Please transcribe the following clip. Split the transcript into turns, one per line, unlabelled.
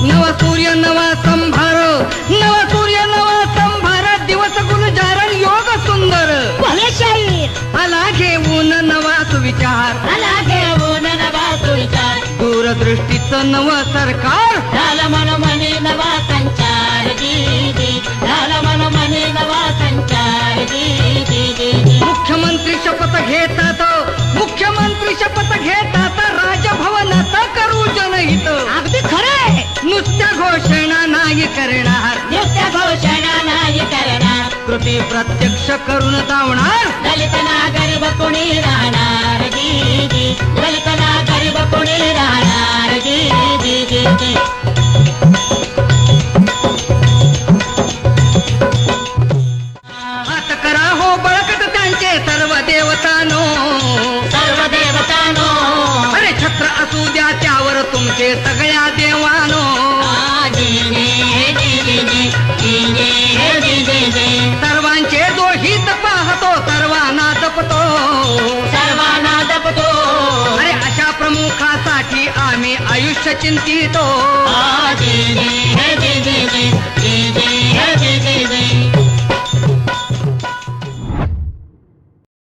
नवा सूर्य नवा संभार, नवा सूर्य नवा संभार, दिवस गुलजारण योग सुंदर.
भले शाहीर
आला घेऊन नवा सुविचार,
आला घेऊन नवा सुविचार,
दूरदृष्टीचं नव सरकार.
झाला मनोमनी नवा संचार जी जी, झाला मनोमनी नवा संचार जी जी जी जी.
मुख्यमंत्री शपथ घेतात, मुख्यमंत्री शपथ घेतात, राजभवनात करू जनहित.
अगदी खरंय.
नुसत्या घोषणा नाही करणार,
नुसत्या घोषणा नाही करणार,
कृती प्रत्यक्ष करून दावणार.
दलित ना गरीब कोणी राहणार जी जी, दलित ना गरीब कोणी राहणार जी जी जी जी.
हात करा हो बळकट त्यांचे सर्व देवतानो,
सर्व देवतानो.
अरे छत्र असू द्या त्यावर तुमचे सगळ्या देवानो.
जी जी जी जी जी जी जी जी जी.
सर्वांचे जो हित पाहतो सर्वांना जपतो,
सर्वांना जपतो.
अरे अशा प्रमुखासाठी आम्ही आयुष्य चिंतितो.
जी जी जी जी जी